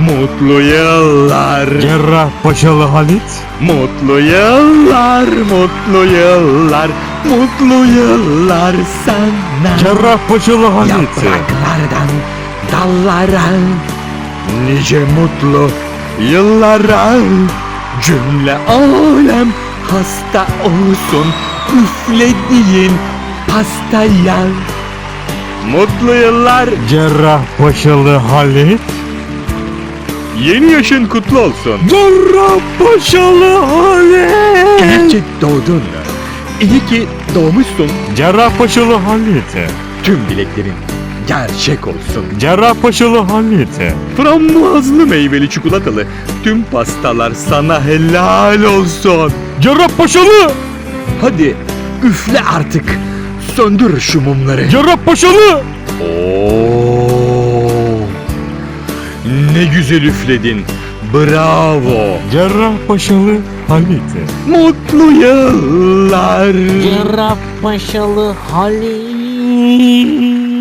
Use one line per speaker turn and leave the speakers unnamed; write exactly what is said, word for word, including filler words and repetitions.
Mutlu yıllar.
Cerrahpaşalı Halit.
Mutlu yıllar, mutlu yıllar, mutlu yıllar sana.
Cerrahpaşalı Halit.
Yapraklardan dallara, nice mutlu yıllara. Cümle alem hasta olsun üflediğin pastaya. Mutlu yıllar.
Cerrahpaşalı Halit.
Yeni yaşın kutlu olsun.
Cerrahpaşalı Halit.
İyi ki doğdun. İyi ki doğmuşsun.
Cerrahpaşalı Halit.
Tüm dileklerin gerçek olsun.
Cerrahpaşalı Halit.
Frambuazlı meyveli çikolatalı tüm pastalar sana helal olsun.
Cerrahpaşalı.
Hadi üfle artık. Söndür şu mumları.
Cerrahpaşalı.
Oo, ne güzel üfledin. Bravo.
Cerrahpaşalı Halit.
Mutlu yıllar.
Cerrahpaşalı Halit.